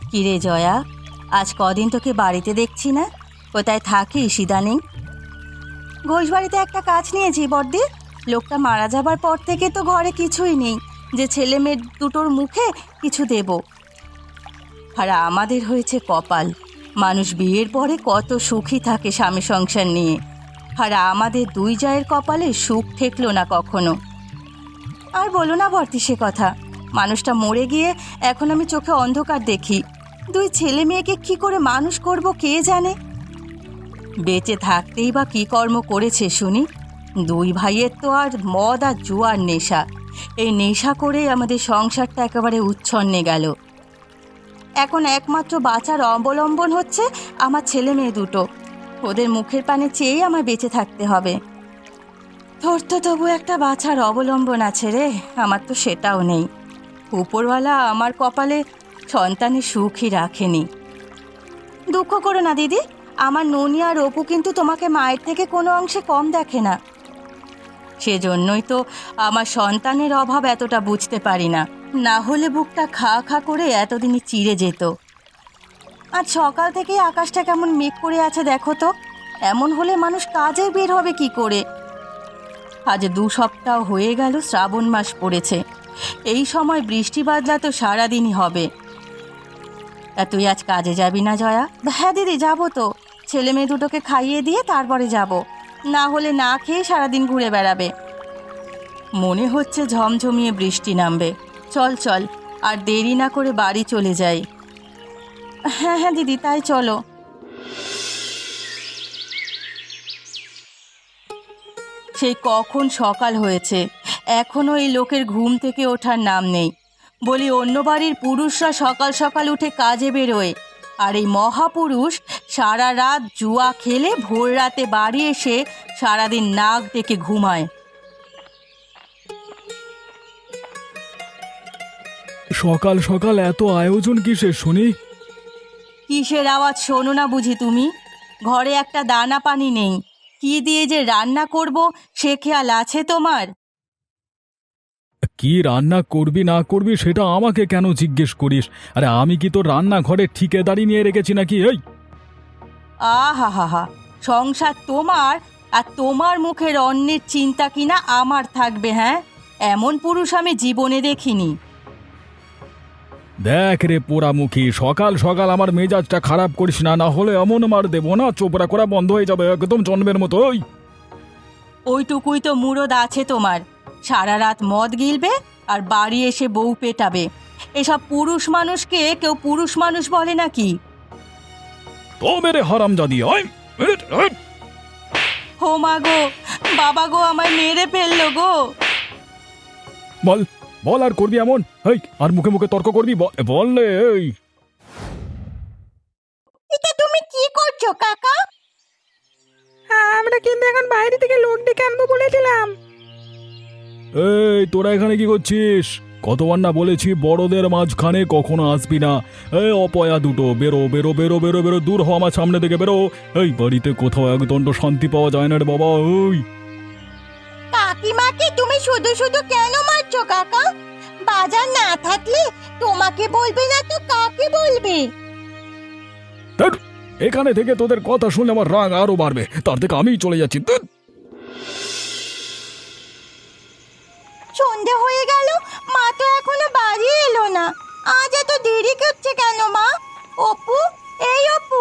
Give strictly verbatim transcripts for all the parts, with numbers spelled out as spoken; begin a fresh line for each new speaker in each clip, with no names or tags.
কিরে জয়া, আজ কদিন তোকে বাড়িতে দেখছি না, কোথায় থাকিস ইদানিং? ঘোষবাড়িতে একটা কাজ নিয়েছি বড়দি। লোকটা মারা যাবার পর থেকে তো ঘরে কিছুই নেই যে ছেলে মেয়ে দুটোর মুখে কিছু দেব। আর আমাদের হয়েছে কপাল, মানুষ বিয়ের পরে কত সুখী থাকে স্বামী সংসার নিয়ে, আর আমাদের দুই জায়ের কপালে সুখ ঠেকলো না কখনো। আর বলো না বর্তি সে কথা, মানুষটা মরে গিয়ে এখন আমি চোখে অন্ধকার দেখি। দুই ছেলে মেয়েকে কি করে মানুষ করব কে জানে। বেঁচে থাকতেই বা কী কর্ম করেছে শুনি? দুই ভাইয়ের তো আর মদ আর জুয়ার নেশা, এই নেশা করেই আমাদের সংসারটা একেবারে উচ্ছন্নে গেল। এখন একমাত্র বাঁচার অবলম্বন হচ্ছে আমার ছেলে মেয়ে দুটো, ওদের মুখের পানে চেয়েই আমার বেঁচে থাকতে হবে। তোর তো তবু একটা বাঁচার অবলম্বন আছে রে, আমার তো সেটাও নেই। উপরওয়ালা আমার কপালে সন্তানের সুখই রাখেনি। দুঃখ করো না দিদি, আমার ননি আর অপু কিন্তু তোমাকে মায়ের থেকে কোনো অংশে কম দেখে না। সেজন্যই তো আমার সন্তানের অভাব এতটা বুঝতে পারি না, না হলে বুকটা খা খা করে এতদিনই চিড়ে যেত। আজ সকাল থেকেই আকাশটা কেমন মেঘ করে আছে দেখো তো, এমন হলে মানুষ কাজে বের হবে কি করে? আজ দু সপ্তাহ হয়ে গেল শ্রাবণ মাস পড়েছে, এই সময় বৃষ্টি বাদলা তো সারাদিনই হবে। তা তুই আজ কাজে যাবি না জয়া? হ্যাঁ দিদি যাবো তো, ছেলে মেয়ে দুটোকে খাইয়ে দিয়ে তারপরে যাব, না হলে না খেয়ে সারাদিন ঘুরে বেড়াবে। মনে হচ্ছে ঝমঝমিয়ে বৃষ্টি নামবে, চল চল আর দেরি না করে বাড়ি চলে যাই। হ্যাঁ হ্যাঁ দিদি তাই চলো। সেই কখন সকাল হয়েছে, এখনও এই লোকের ঘুম থেকে ওঠার নাম নেই। বলি অন্য বাড়ির পুরুষরা সকাল সকাল উঠে কাজে বেরোয়, আর এই মহাপুরুষ সারা রাত জুয়া খেলে ভোর রাতে বাড়ি এসে সারাদিন নাক ডেকে ঘুমায়।
সকাল সকাল এত আয়োজন কিসের শুনি?
কিসের আওয়াজ শোনো না বুঝি তুমি? ঘরে একটা দানা পানি নেই, কি দিয়ে যে রান্না করব সে খেয়াল আছে তোমার?
কি রান্না করবি না করবি সেটা আমাকে কেন জিজ্ঞেস করিস? আরে আমি কি তোর রান্নাঘরে ঠিকাদারি নিয়ে রেখেছি নাকি? এই
আহা হা হা, সংসার তোমার, আর তোমার মুখের অন্যের চিন্তা কিনা আমার থাকবে? হ্যাঁ, এমন পুরুষ আমি জীবনে দেখিনি।
দেখ রে পোড়ামুখী, সকাল সকাল আমার মেজাজটা খারাপ করিস না, না হলে এমন মার দেবো না চোপড়া করা বন্ধ হয়ে যাবে একদম জন্মের মতো। ওই
ওইটুকুই তো মুরদ আছে তোমার, সারা রাত মদ গিলবে আর বাড়ি এসে বউ পেটাবে। এসব পুরুষ মানুষকে কেউ পুরুষ মানুষ বলে নাকি?
তো মেরে হারামজাদি। ওই
হো মা গো, বাবা গো, আমায় মেরে ফেললো গো।
বল বল আর করবি এমন? এই আর মুখে মুখে তর্ক করবি? বল রে। এই
এটা তুমি কি করছো কাকা?
আমরা কিন্তু এখন বাইরে থেকে লোক ডেকে আনবো বলেছিলাম।
এই তোরা এখানে কি করছিস? কতবার না বলেছি বড়দের মাঝখানে কখনো আসবি না। এই অপয়া দুটো, বেরো বেরো বেরো বেরো বেরো, দূর হ আমার সামনে থেকে বেরো। এই বাড়িতে কোথাও একদণ্ড শান্তি পাওয়া যায় না রে বাবা। ওই
কাকিমাকে তুমি শুধু শুধু কেন মারছো কাকা? বাজার না থাকলে তোমাকে বলবে না তো কাকে বলবে?
ধ্যাৎ, এখানে থেকে তোদের কথা শুনে আমার রাগ আরো বাড়বে, তার থেকে আমিই চলে যাচ্ছি। ধ্যাৎ।
সন্ধে হয়ে গেল, মা তো এখনো বাড়ি এলো না। আজ এত দেরি করছে কেন মা? অপু, এই অপু,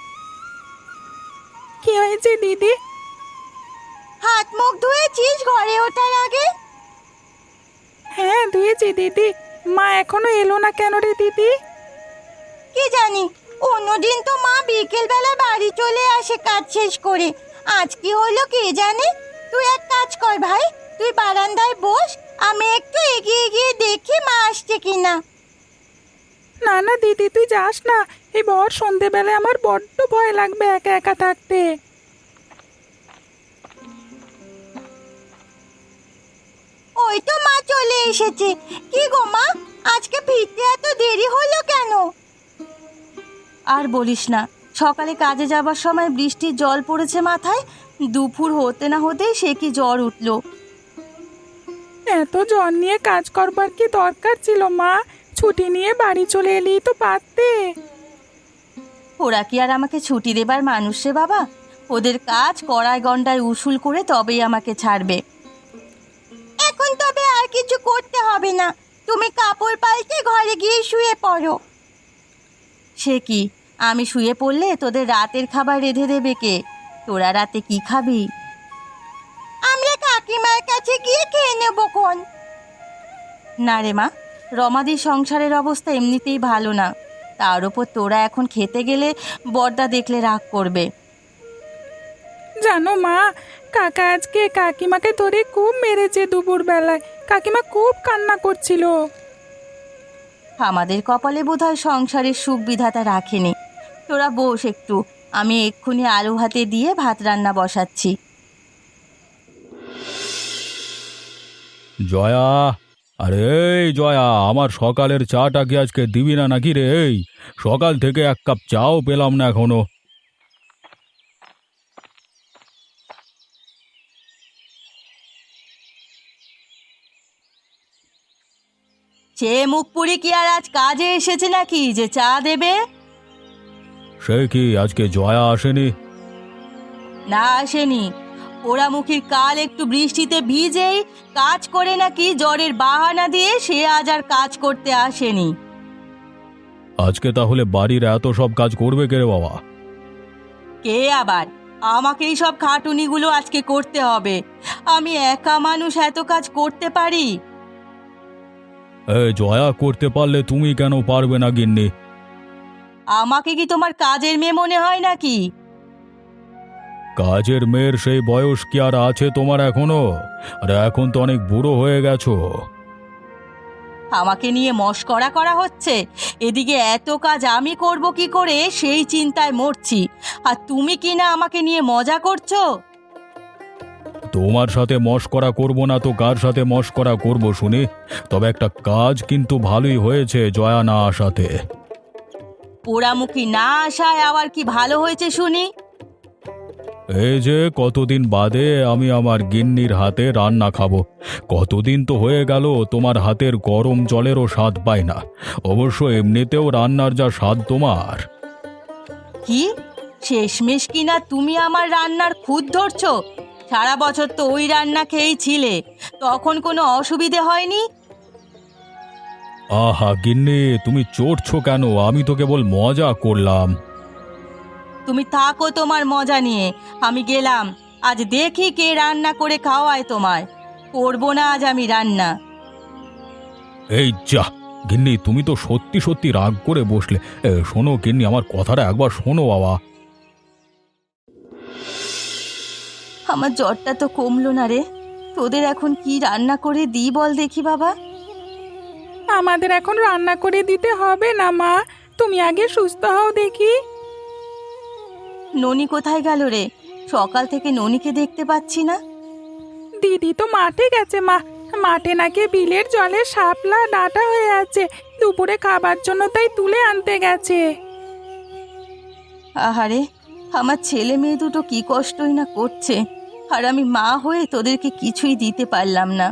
কি হয়েছে দিদি?
হাত মুখ ধুয়েছিস ঘরে ওঠার আগে?
হ্যাঁ ধুয়েছি দিদি। মা এখনো এলো না কেন রে দিদি?
কি জানি, অন্যদিন তো মা বিকেল বেলা বাড়ি চলে আসে কাজ শেষ করে, আজ কি হলো কে জানে। তুই এক কাজ কর ভাই, তুই বারান্দায় বস, আমি একটু এগিয়ে গিয়ে দেখি মা আসছে কিনা।
না না দিদি তুই যাস না, এই ভর সন্ধেবেলায় আমার বড্ড ভয় লাগবে একা একা থাকতে।
ওই তো মা চলে এসেছে। কি গো মা, আজকে ফিরতে এত দেরি হলো কেন? আর বলিস না, সকালে কাজে যাবার সময় বৃষ্টির জল পড়েছে মাথায়, দুপুর হতে না হতেই সে কি জ্বর উঠলো।
এত জ্বর নিয়ে কাজ করবার কি দরকার ছিল মা? ছুটি নিয়ে বাড়ি চলে এলেই তো পারতে।
ওরা কি আর আমাকে ছুটি দেবার মানুষ রে বাবা? ওদের কাজ কড়ায় গন্ডায় উসুল করে তবেই আমাকে ছাড়বে। এখন তবে আর কিছু করতে হবে না, তুমি কাপড় পাল্টে ঘরে গিয়ে শুয়ে পড়ো। সে কি, আমি শুয়ে পড়লে তোদের রাতের খাবার রেঁধে দেবে কে? তোরা রাতে কি খাবি? আমরা কাকিমার কাছে গিয়ে খেয়ে নেব কোন। না রে মা, রমাদির সংসারের অবস্থা এমনিতেই ভালো না, তার উপর তোরা এখন খেতে গেলে বড়দা দেখলে রাগ করবে।
জানো মা, কাকা আজকে কাকিমাকে ধরে খুব মেরেছে দুপুর বেলায়। কাকিমা খুব কান্না করছিল।
আমাদের কপালে বোধহয় সংসারের সুখ বিধাতা রাখেনি। তোরা বস একটু, আমি এক্ষুনি আলু হাতে দিয়ে ভাত রান্না বসাচ্ছি।
জয়া, আরে এই জয়া, আমার সকালের চাটা কি আজকে দিবি না নাকি রে? এই সকাল থেকে এক কাপ চাও পেলাম না এখনো।
সে মুখপুরি কি আর আজ কাজে এসেছে নাকি যে চা দেবে?
সে কি আজকে জয়া আসেনি?
না আসেনি, পোড়ামুখীর কাল একটু বৃষ্টিতে ভিজেই কাজ করে নাকি জ্বরের বাহানা দিয়ে সে আজ আর কাজ করতে আসেনি।
আজকে তাহলে বাড়ির এত সব কাজ করবে কে রে বাবা?
কে আবার? আমাকেই সব খাটুনিগুলো আজকে করতে হবে। আমি একা মানুষ এত কাজ করতে পারি?
এ জয়া করতে পারলে তুমি কেন পারবে না গিন্নি?
আমাকে কি তোমার কাজের মেয়ে মনে হয় নাকি?
কাজের মেয়ের সেই বয়স কি আর আছে তোমার এখনো? আরে এখন তো অনেক বুড়ো হয়ে গেছো।
আমাকে নিয়ে মশকরা করা হচ্ছে, এদিকে এত কাজ আমি করব কি করে সেই চিন্তায় মরছি, আর তুমি কি না আমাকে নিয়ে মজা করছো?
তোমার সাথে মশকরা করব না তো কার সাথে মশকরা করব শুনি? তবে একটা কাজ কিন্তু ভালোই হয়েছে জয়া না আসাতে।
পোড়ামুখী না আসায় আবার কি ভালো হয়েছে শুনি?
এই যে কতদিন বাদে আমি আমার গিন্নির হাতে রান্না খাবো। কতদিন তো হয়ে গেল তোমার হাতের গরম জলেরও স্বাদ পাই না। অবশ্য এমনিতেও রান্নার যা স্বাদ তোমার।
কি শেষমেশ কিনা তুমি আমার রান্নার খুঁত ধরছো? সারা বছর তো ওই রান্না খেয়েই ছিলে, তখন কোনো অসুবিধে হয়নি।
আহা গিন্নি, তুমি চড়ছো কেন? আমি তো কেবল মজা করলাম।
তুমি থাকো তোমার মজা নিয়ে, আমি গেলাম। আজ দেখি কে রান্না করে খাওয়ায় তোমায়। করবো না আজ আমি রান্না।
এই যা গিন্নি, তুমি তো সত্যি সত্যি রাগ করে বসলে। এ, শোনো গিন্নি, আমার কথাটা একবার শোনো বাবা।
আমার জ্বরটা তো কমলো না রে, তোদের এখন কি রান্না করে দিই বল দেখি বাবা।
আমাদের এখন রান্না করে দিতে হবে না মা, তুমি আগে সুস্থ হও দেখি।
ননি কোথায় গেল রে? সকাল থেকে ননিকে দেখতে পাচ্ছি না।
দিদি তো মাঠে গেছে মা। মাঠে নাকি বিলের জলে শাপলা ডাটা হয়ে আছে, দুপুরে খাবার জন্য তাই তুলে আনতে গেছে।
আহারে, আমার ছেলে মেয়ে দুটো কি কষ্টই না করছে, আর আমি মা হয়ে তোদেরকে কিছুই দিতে পারলাম না।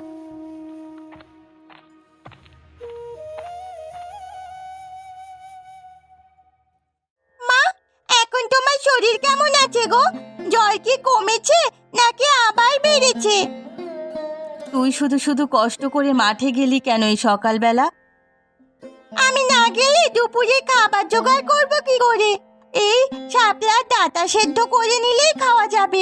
মা, এখন তোমার শরীর কেমন আছে গো? জ্বর কি কমেছে নাকি আবার বেড়েছে? তুই শুধু শুধু কষ্ট করে মাঠে গেলি কেন এই সকালবেলা? আমি না গেলে দুপুরে খাবার জোগাড় করব কি করে? এই শাপলার ডাঁটা সেদ্ধ করে নিলেই খাওয়া যাবে।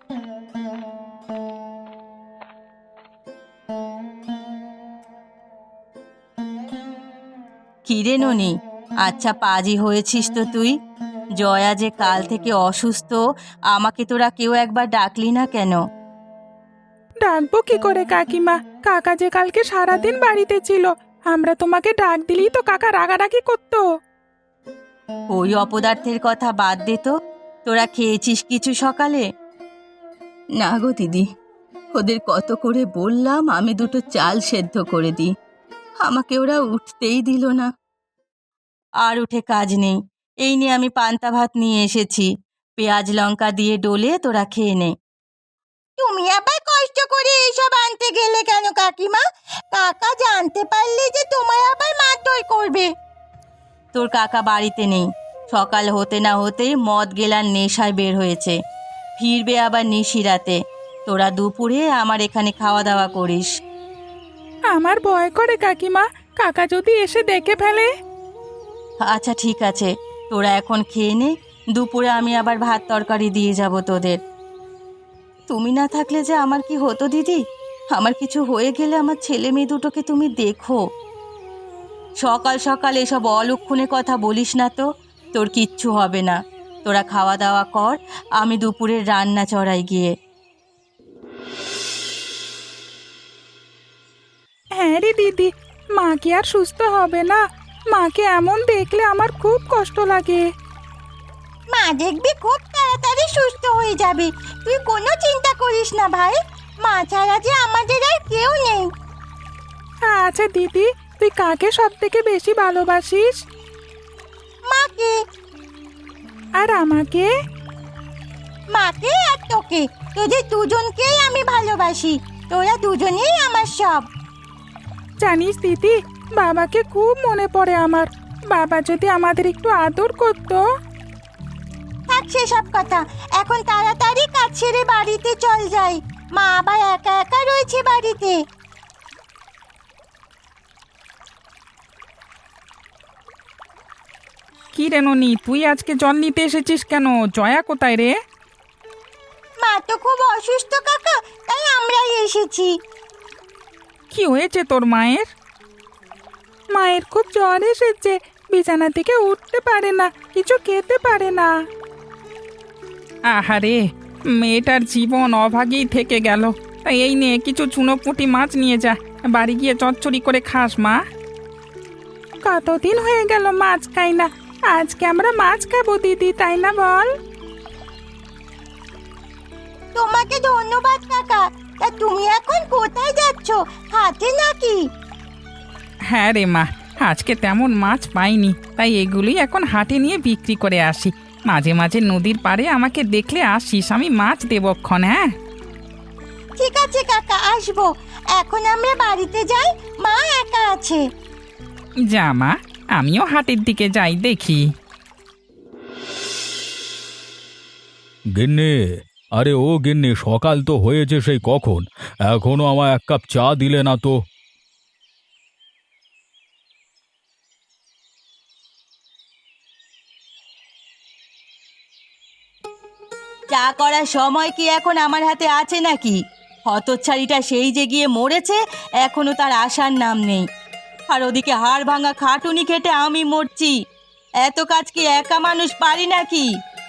কিরে ননি, আচ্ছা পাজি হয়েছিস তো তুই। জয়া যে কাল থেকে অসুস্থ, আমাকে তোরা কেউ একবার ডাকলি না কেন?
ডাকবো কি করে কাকিমা, কাকা যে কালকে সারাদিন বাড়িতে ছিল। আমরা তোমাকে ডাক দিলেই তো কাকা রাগারাগি করতো।
ওই অপদার্থের কথা বাদ দে তো, তোরা খেয়েছিস কিছু সকালে? না গো দিদি, ওদের কত করে বললাম আমি দুটো চাল সেদ্ধ করে দিই, আমাকে ওরা উঠতেই দিল না। আর উঠে কাজ নেই, এই নিয়ে আমি পান্তা ভাত নিয়ে এসেছি, পেঁয়াজ লঙ্কা দিয়ে ডলে তোরা খেয়ে নে। তুমি আবার কষ্ট করে এইসব আনতে গেলে কেন কাকিমা? কাকা জানতে পারলে যে তোমায় আবার মারধর সই করবে? তোর কাকা বাড়িতে নেই, সকাল হতে না হতেই মদ গেলার নেশায় বের হয়েছে, ফিরবে আবার নিশিরাতে। তোরা দুপুরে আমার এখানে খাওয়া দাওয়া করিস।
আমার ভয় করে কাকিমা, কাকা যদি এসে দেখে ফেলে।
আচ্ছা ঠিক আছে, তোরা এখন খেয়ে নে, দুপুরে আমি আবার ভাত তরকারি দিয়ে যাব তোদের। তুমি না থাকলে যে আমার কি হতো দিদি, আমার কিছু হয়ে গেলে আমার ছেলে মেয়ে দুটোকে তুমি দেখো। সকাল সকাল এসব অলক্ষণে কথা বলিস না তো, তোর কিচ্ছু হবে না। তোরা খাওয়া দাওয়া কর, আমি দুপুরের রান্না চড়াই গিয়ে।
হ্যাঁ রে দিদি, মা কি আর সুস্থ হবে না? মাকে এমন দেখলে আমার খুব কষ্ট লাগে।
মা দেখবি খুব তাড়াতাড়ি সুস্থ হয়ে যাবে, তুই কোনো চিন্তা করিস না ভাই। মা ছাড়া যে আমাদের আর কেউ নেই।
আচ্ছা দিদি, তুই কাকে সব থেকে বেশি ভালোবাসিস?
মাকে।
আর আমাকে?
মাকে আর তোকে, তোদের দুজনকেই আমি ভালোবাসি। তোরা দুজনেই আমার সব।
জানিস দিদি, বাবাকে খুব মনে পড়ে আমার। বাবা যদি আমাদের একটু আদর করতো।
থাক সেসব কথা, এখন তাড়াতাড়ি কাজ ছেড়ে বাড়িতে চল যাই। মা আবার একা একা রয়েছে বাড়িতে।
কি রে ননি, তুই আজকে জল নিতে এসেছিস কেন? জয়া কোথায় রে?
মা তো খুব অসুস্থ কাকা, তাই আমরাই এসেছি।
কি হয়েছে তোর মায়ের? মায়ের খুব জ্বর এসেছে, বিছানা থেকে উঠতে পারে না, কিছু খেতে পারে না। আহারে, মেয়েটার জীবন অভাগেই থেকে গেল। এই নে কিছু চুনোপুঁটি মাছ নিয়ে যা, বাড়ি গিয়ে চচ্চড়ি করে খাস মা। কতদিন হয়ে গেল মাছ খাই না, আজকে আমরা মাছ খাবো দিদি, তাই না বল?
তোমাকে ধন্যবাদ কাকা। তা তুমি এখন কোথায় যাচ্ছ, হাটে নাকি?
হ্যাঁ রে মা, আজকে তেমন মাছ পাইনি, তাই এগুলি এখন হাটে নিয়ে বিক্রি করে আসি। মাঝে মাঝে নদীর পাড়ে আমাকে দেখলে আসিস, আমি মাছ দেবক্ষণ। হ্যাঁ
ঠিক আছে কাকা, আসবো। এখন আমরা বাড়িতে যাই, মা একা আছে।
যা মা, আমিও হাটের দিকে যাই, দেখি।
গিন্নি, আরে ও গিন্নি, সকাল তো হয়েছে সেই কখন, এখনো আমায় এক কাপ চা দিলে না তো।
চা করার সময় কি এখন আমার হাতে আছে নাকি? হতচ্ছাড়িটা সেই যে গিয়ে মরেছে, এখনো তার আসার নাম নেই। আর ওদিকে হাড় ভাঙা খাটুনি খেটে আমি মরছি। এত কাজ কি একা মানুষ পারি নাকি?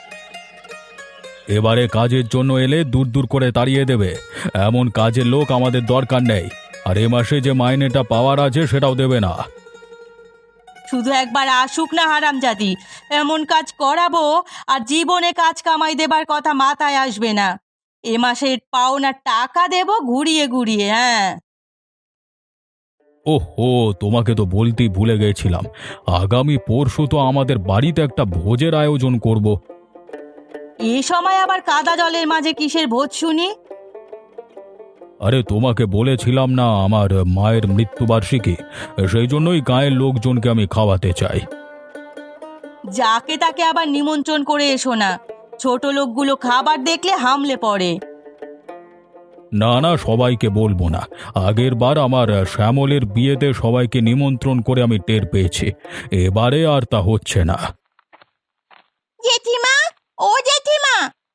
এবারে কাজের জন্য এলে দূর দূর করে তাড়িয়ে দেবে, এমন কাজের লোক আমাদের দরকার নেই। আর এ মাসে যে মাইনেটা পাওয়ার আছে সেটাও দেবে না।
শুধু একবার আসুক না হারামজাদি, এমন কাজ করাবো আর জীবনে কাজ কামাই দেবার কথা মাথায় আসবে না। এ মাসের পাওনার টাকা দেব ঘুরিয়ে ঘুরিয়ে। হ্যাঁ,
ওহো, তোমাকে তো বলতেই ভুলে গেছিলাম, আগামী পরশু তো আমাদের বাড়িতে একটা ভোজের আয়োজন করব।
এই সময় আবার কাদা জলের মাঝে কিসের ভোজ শুনি?
আরে তোমাকে বলেছিলাম না আমার মায়ের মৃত্যুবার্ষিকী, সেই জন্যই গায়ের লোকজনকে আমি খাওয়াতে চাই।
যাকে তাকে আবার নিমন্ত্রণ করে এসো না, ছোট লোকগুলো খাবার দেখলে হামলে পড়ে।
না না, সবাইকে বলবো না। আগের বার আমার শ্যামলের বিয়েতে সবাইকে নিমন্ত্রণ করে আমি টের পেয়েছি, এবারে আর তা হচ্ছে না।
জেঠিমা, ও জেঠিমা!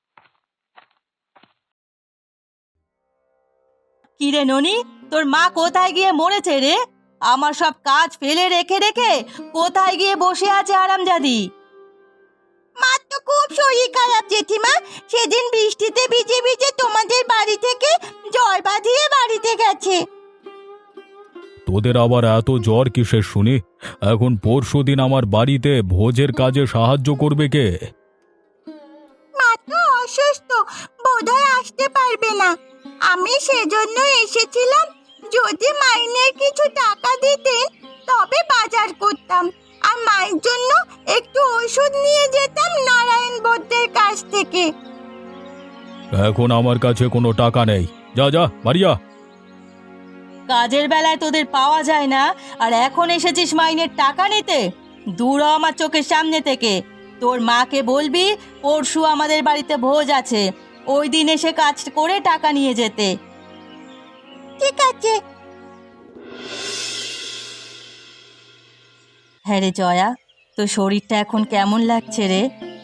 কিরে ননি, তোর মা কোথায় গিয়ে মরেছে রে? আমার সব কাজ ফেলে রেখে রেখে কোথায় গিয়ে বসে আছে আরামজাদি? মার তো খুব শরীর খারাপ জেঠিমা, সেদিন বৃষ্টিতে ভিজে ভিজে তোমাদের বাড়ি থেকে জ্বর বাঁধিয়ে বাড়িতে গেছে।
তোদের আবার এত জ্বর কিসের শুনি? এখন পরশুদিন আমার বাড়িতে ভোজের কাজে সাহায্য করবে কে?
মা তো অসুস্থ, বোধহয় আসতে পারবে না। আমি সেজন্য এসেছিলাম, যদি মাইনের কিছু টাকা দিতেন তবে বাজার করতাম, আর মায়ের জন্য একটু ওষুধ নিয়ে যেতাম নারায়ণ বৈদ্যের কাছ থেকে।
এখন আমার কাছে কোনো টাকা নেই, যা যা বাড়ি যা।
কাজের বেলায় তোদের পাওয়া যায় না, আর এখন এসেছিস মাইনের টাকা নিতে? দূর হ আমার চোখের সামনে থেকে। তোর মাকে বলবি পরশু আমাদের বাড়িতে ভোজ আছে, ওই দিন এসে কাজ করে টাকা নিয়ে যেতে। ঠিক আছে। হ্যাঁ রে জয়া, তোর শরীরটা এখন কেমন লাগছে রে?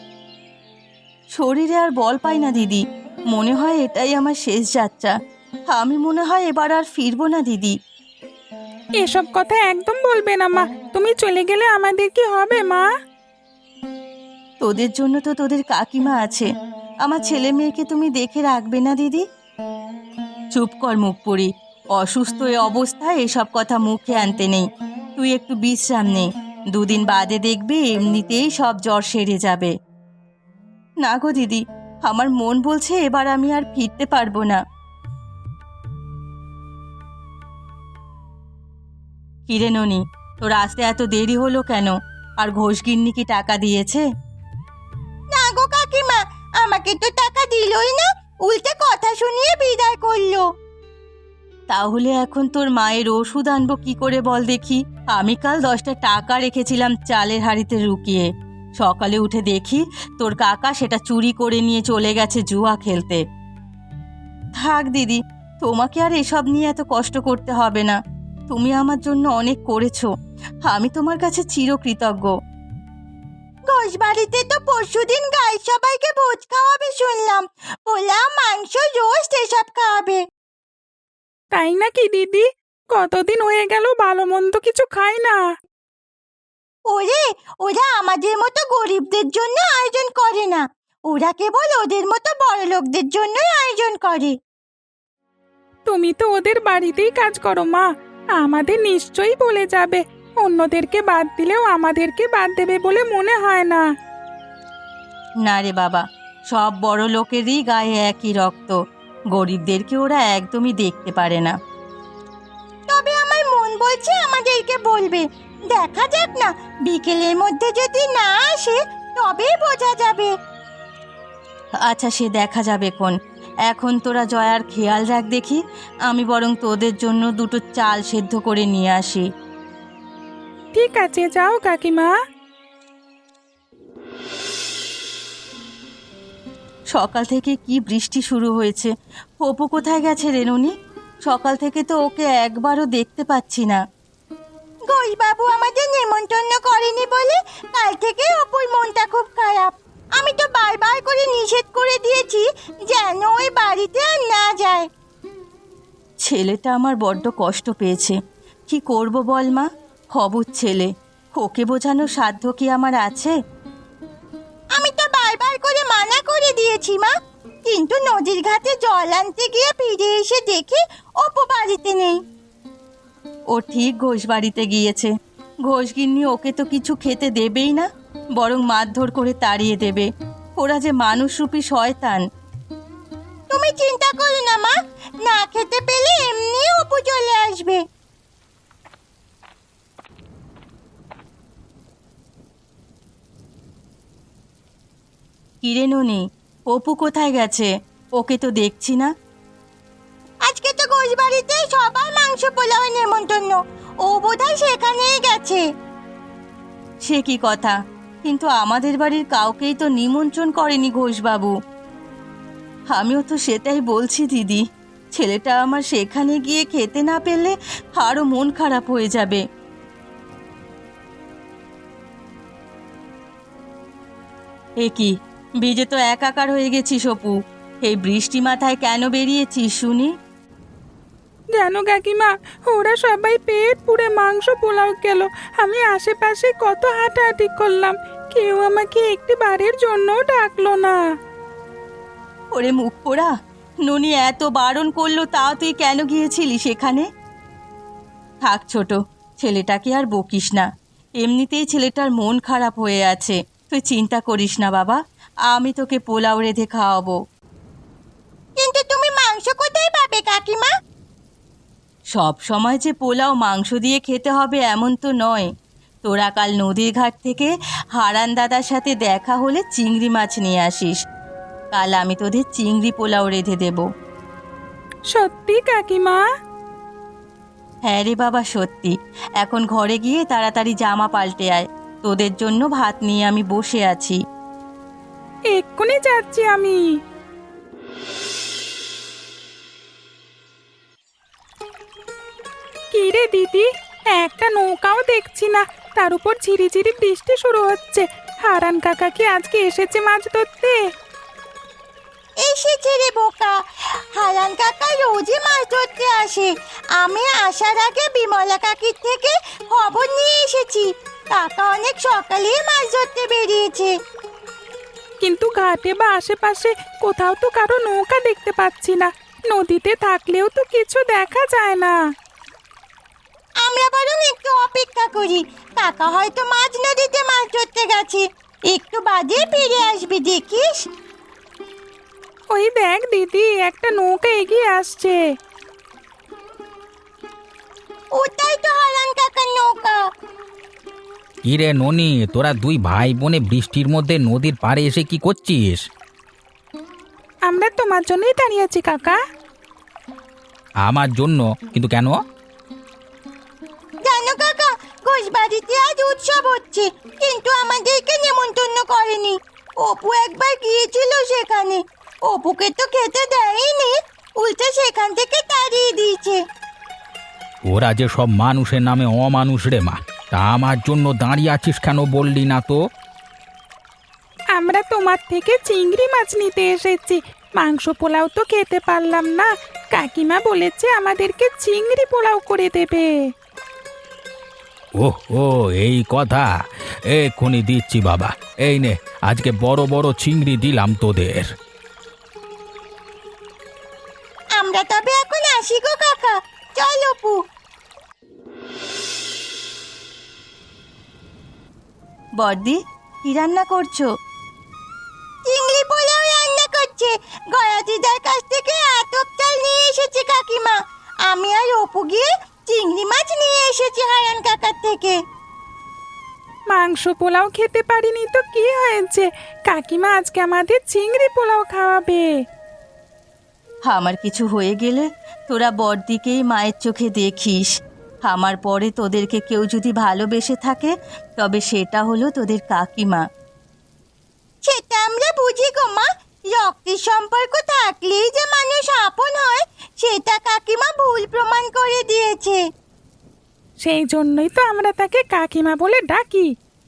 শরীরে আর বল পাই না দিদি, মনে হয় এটাই আমার শেষ যাত্রা। আমি মনে হয় এবার আর ফিরবো না দিদি।
এসব কথা একদম বলবে না মা, তুমি চলে গেলে আমাদের কি হবে মা?
তোদের জন্য তো তোদের কাকিমা আছে, আমার ছেলে মেয়েকে তুমি দেখে রাখবে না দিদি? চুপ কর মুখ পুরি, অসুস্থ এ অবস্থায় এসব কথা মুখে আনতে নেই। তুই একটু বিশ্রাম নে, দুদিন বাদে দেখবি এমনিতেই সব জ্বর সেরে যাবে। না গো দিদি, আমার মন বলছে এবার আমি আর ফিরতে পারবো না। কিরে ননি, তোর আসতে এত দেরি হলো কেন? আর ঘোষগিন্নি কি টাকা দিয়েছে? না গো কাকিমা, আমাকে তো টাকা দিলই না, উল্টে কথা শুনিয়ে বিদায় করলো। তাহলে এখন তোর মায়ের ওষুধ আনবো কি করে বল দেখি? আমি কাল দশটা টাকা রেখেছিলাম চালের হাঁড়িতে লুকিয়ে, সকালে উঠে দেখি তোর কাকা সেটা চুরি করে নিয়ে চলে গেছে জুয়া খেলতে। থাক দিদি, তোমাকে আর এসব নিয়ে এত কষ্ট করতে হবে না। তুমি আমার জন্য অনেক করেছো, আমি তোমার কাছে চিরকৃতজ্ঞ। ঘোষবাড়িতে তো পরশুদিন গায়ের সবাইকে ভোজ খাওয়াবে শুনলাম, পোলাও, মাংস, রোস্ট এসব খাওয়াবে।
তাই নাকি দিদি? কতদিন হয়ে গেল ভালো মন্দ কিছু খাই না।
ওরে, ওরা আমাদের মতো গরিবদের জন্য আয়োজন করে না, ওরা কেবল ওদের মতো বড় লোকদের জন্যই আয়োজন করে।
তুমি তো ওদের বাড়িতেই কাজ করো মা, আমাদের নিশ্চয়ই বলে যাবে। অন্যদেরকে বাদ দিলেও আমাদেরকে বাদ দেবে বলে মনে হয় না।
না রে বাবা, সব বড় লোকেরই গায়ে একই রক্ত, গরিবদেরকে ওরা একদমই দেখতে পারে না। তবে আমার মন বলছে আমাদেরকে বলবে, দেখা যাক না, বিকেলের মধ্যে যদি না আসে তবেই বোঝা যাবে। আচ্ছা, সে দেখা যাবে কোন। এখন তোরা জয়ার খেয়াল রাখ দেখি, আমি বরং তোদের জন্য দুটো চাল সেদ্ধ করে নিয়ে আসি।
ঠিক আছে, যাও কাকিমা।
সকাল থেকে কি বৃষ্টি শুরু হয়েছে। অপু কোথায় গেছে রেনুনি? সকাল থেকে তো ওকে একবারও দেখতে পাচ্ছি না। ঘোষবাবু আমাদের নেমন্তন্ন করেনি বলে কাল থেকে অপুর মনটা খুব খারাপ। আমি তো বারবার করে নিষেধ করে দিয়েছি যেন ওই বাড়িতে আর না যায়। ছেলেটা আমার বড্ড কষ্ট পেয়েছে, কি করব বল মা? অবুঝ ছেলে, ওকে বোঝানোর সাধ্য কি আমার আছে? আমি তো বারবার করে মানা করে দিয়েছি মা, কিন্তু নদীর ঘাটে জল আনতে গিয়ে ফিরে এসে দেখি অপু বাড়িতে নেই। ও ঠিক ঘোষ বাড়িতে গিয়েছে। ঘোষগিন্নি ওকে তো কিছু খেতে দেবেই না, বরং মারধর করে তাড়িয়ে দেবে। ওরা যে মানুষরূপী শয়তান। তুমি চিন্তা করো না মা, না খেতে পেলে এমনি অপু চলে আসবে। কিরে ননি, অপু কোথায় গেছে? ওকে তো দেখছি না। আজকে তো ঘোষ বাড়িতে সবার মাংস পোলাওয়ের নেমন্তন্ন, ও বোধহয় সেখানেই গেছে। সে কি কথা? কিন্তু আমাদের বাড়ির কাউকেই তো নিমন্ত্রণ করেনি ঘোষবাবু। আমিও তো সেটাই বলছি দিদি, ছেলেটা আমার সেখানে গিয়ে খেতে না পেলে আরো মন খারাপ হয়ে যাবে। এ কি, ভিজে তো একাকার হয়ে গেছিস অপু, এই বৃষ্টি মাথায় কেন বেরিয়েছিস শুনি?
জানো কাকিমা, ওরা সবাই পেট পুড়ে মাংস পোলাও গেল। আমি আশেপাশে কত হাঁটাহাঁটি করলাম, কেউ আমাকে একটি বারের জন্যও ডাকলো না।
ওরে মুখ পোড়া, ননি এত বারণ করলো তাও তুই কেন গিয়েছিলি সেখানে? থাক ছোট, ছেলেটাকে আর বকিস না, এমনিতেই ছেলেটার মন খারাপ হয়ে আছে। তুই চিন্তা করিস না বাবা, আমি তোকে পোলাও রেঁধে খাওয়াবো। কিন্তু তুমি মাংস কোথায় পাবে কাকিমা? সব সময় যে পোলাও মাংস দিয়ে খেতে হবে এমন তো নয়। তোরা কাল নদীর ঘাট থেকে হারান দাদার সাথে দেখা হলে চিংড়ি মাছ নিয়ে আসিস, কাল আমি তোদের চিংড়ি পোলাও রেঁধে দেব।
সত্যি কাকিমা?
হ্যাঁ রে বাবা, সত্যি। এখন ঘরে গিয়ে তাড়াতাড়ি জামা পাল্টে আয়, তোদের জন্য ভাত নিয়ে আমি বসে আছি।
এক্ষুনি যাচ্ছি আমি। কি রে দিদি, একটা নৌকাও দেখছি না, তার উপর ঝিরিঝিরি বৃষ্টি শুরু হচ্ছে। হারান কাকা কি আজকে এসেছে মাছ ধরতে?
এসেছে রে বোকা, হারান কাকা রোজই মাছ ধরতে আসে। আমি আসার আগে বিমলা কাকির থেকে খবর নিয়ে এসেছি, কাকা অনেক সকালেই মাছ ধরতে বেরিয়েছে।
কিন্তু ঘাটে বা আশেপাশে কোথাও তো কারো নৌকা দেখতে পাচ্ছি না। নদীতে থাকলেও তো কিছু দেখা যায় না।
আমরা বরং একটু অপেক্ষা করি, কাকা হয়তো মাঝ নদীতে মাছ ধরতে গেছে, একটু বাদে ফিরে আসবে, দেখিস।
ওই দেখ দিদি, একটা নৌকা এগিয়ে আসছে।
ওটাই তো হারান কাকার নৌকা।
কিরে ননি, তোরা দুই ভাই বোনে বৃষ্টির মধ্যে নদীর পাড়ে এসে কি করছিস?
আমরা তোমার জন্যই দাঁড়িয়ে আছি কাকা।
আমার জন্য? কিন্তু কেন?
জানো কাকা, ঘোষবাড়িতে আজ উৎসব হচ্ছে, কিন্তু আমাদেরকে নেমন্তন্ন করেনি। অপু একবার গিয়েছিল সেখানে, অপুকে তো খেতে দেয়নি, উল্টে সেখান থেকে তাড়িয়ে দিয়েছে।
ওরা যে সব মানুষের নামে অমানুষ রে মা। তা আমার জন্য দাঁড়িয়ে আছিস কেন বললি না তো?
আমরা তোমার থেকে চিংড়ি মাছ নিতে এসেছি, মাংস পোলাও তো খেতে পারলাম না। কাকিমা বলেছে আমাদেরকে চিংড়ি পোলাও করে দেবে।
ওহ ও, এই কথা। এক্ষুনি দিচ্ছি বাবা, এই নে, আজকে বড় বড় চিংড়ি দিলাম তোদের।
আমরা তবে এখন আসি গো কাকা, চল অপু। বর্দি, কি রান্না করছো? চিংড়ি পোলাও রান্না করছে, গয়াদিদার কাছ থেকে আতপ চাল নিয়ে এসেছে কাকিমা। আমি আর অপু গিয়ে চিংড়ি মাছ নিয়ে এসেছি হারান কাকার থেকে।
মাংস পোলাও খেতে পারিনি তো কি হয়েছে, কাকিমা আজকে আমাদের চিংড়ি পোলাও খাওয়াবে।
আমার কিছু হয়ে গেলে তোরা বড়দিকেই মায়ের চোখে দেখিস। আমার পরে তোদেরকে কেউ যদি ভালোবেসে থাকে, তবে সেটা হলো তোদের কাকিমা। সেটা আমরা বুঝি গো মা, রক্তের সম্পর্ক থাকলেই যে মানুষ আপন হয়, সেটা কাকিমা ভুল প্রমাণ করে দিয়েছে।
সেই জন্যই তো আমরা তাকে কাকিমা বলে ডাকি।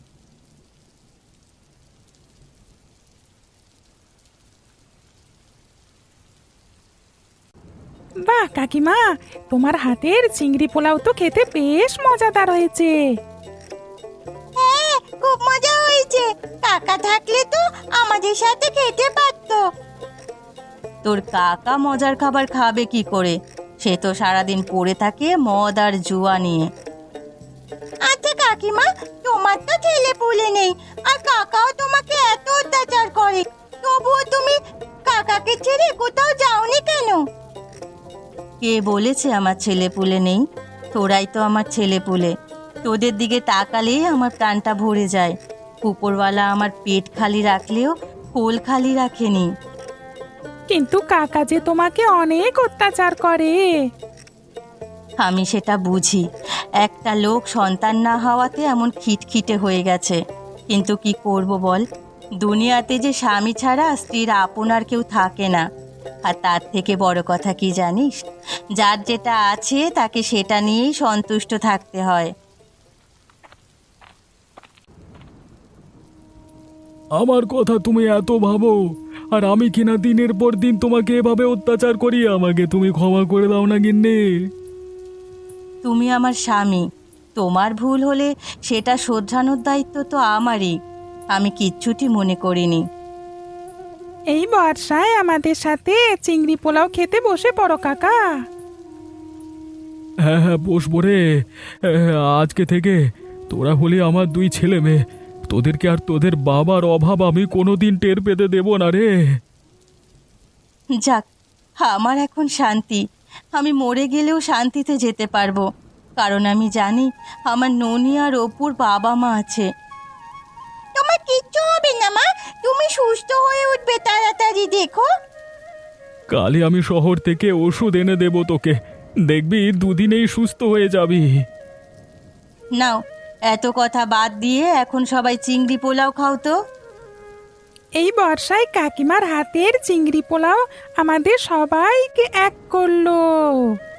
বাহ কাকিমা, তোমার হাতের চিংড়ি পোলাও তো খেতে বেশ মজাদার হয়েছে।
হ্যাঁ, খুব মজা হয়েছে। কাকা থাকলে তো আমাদের সাথে খেতে পারতো। তোর কাকা মজার খাবার খাবে কি করে? সে তো সারাদিন পড়ে থাকে মদ আর জুয়া নিয়ে। আচ্ছা কাকিমা, তোমার তো ছেলে পুলে নেই, আর কাকাও তোমাকে এত অত্যাচার করে, তবুও তুমি কাকাকে ছেড়ে কোথাও যাওনি কেন? কে বলেছে আমার ছেলে পুলে নেই? তোরাই তো আমার ছেলে পুলে। তোদের দিকে তাকালেই আমার প্রাণটা ভরে যায়। উপরওয়ালা আমার পেট খালি রাখলেও কোল খালি রাখেনি।
কিন্তু কাকা যে তোমাকে অনেক অত্যাচার করে।
আমি সেটা বুঝি, একটা লোক সন্তান না হওয়াতে এমন খিটখিটে হয়ে গেছে। কিন্তু কি করব বল, দুনিয়াতে যে স্বামী ছাড়া স্ত্রীর আপন আর কেউ থাকে না। আর তার থেকে বড় কথা কি জানিস, যার যেটা আছে তাকে সেটা নিয়েই সন্তুষ্ট থাকতে হয়।
আমার কথা তুমি এত ভাবো, আর আমি কিনা দিনের পর দিন তোমাকে এভাবে অত্যাচার করি, আমাকে তুমি ক্ষমা করে দাও না গিন্নি।
তুমি আমার স্বামী, তোমার ভুল হলে সেটা শোধরানোর দায়িত্ব তো আমারই। আমি কিচ্ছুটি মনে করিনি।
এই বর্ষায় আমাদের সাথে চিংড়ি পোলাও খেতে বসে পড়ো কাকা।
হ্যাঁ হ্যাঁ, বসবো রে। হ্যাঁ, আজকে থেকে তোরা হলি আমার দুই ছেলে মেয়ে। তোদেরকে আর তোদের বাবার অভাব আমি কোনোদিন টের পেতে দেব না রে।
যাক, আমার এখন শান্তি। আমি মরে গেলেও শান্তিতে যেতে পারবো, কারণ আমি জানি আমার ননি আর অপুর বাবা মা আছে। তোমার কিচ্ছু হবে না মা, তুমি সুস্থ হয়ে উঠবে তাড়াতাড়ি, দেখো।
কালই আমি শহর থেকে ওষুধ এনে দেব তোকে। দেখবি দুদিনেই সুস্থ হয়ে যাবি।
নাও, এত কথা বাদ দিয়ে এখন সবাই চিংড়ি পোলাও খাও তো।
এই বর্ষায় কাকিমার হাতের চিংড়ি পোলাও আমাদের সবাইকে এক করলো।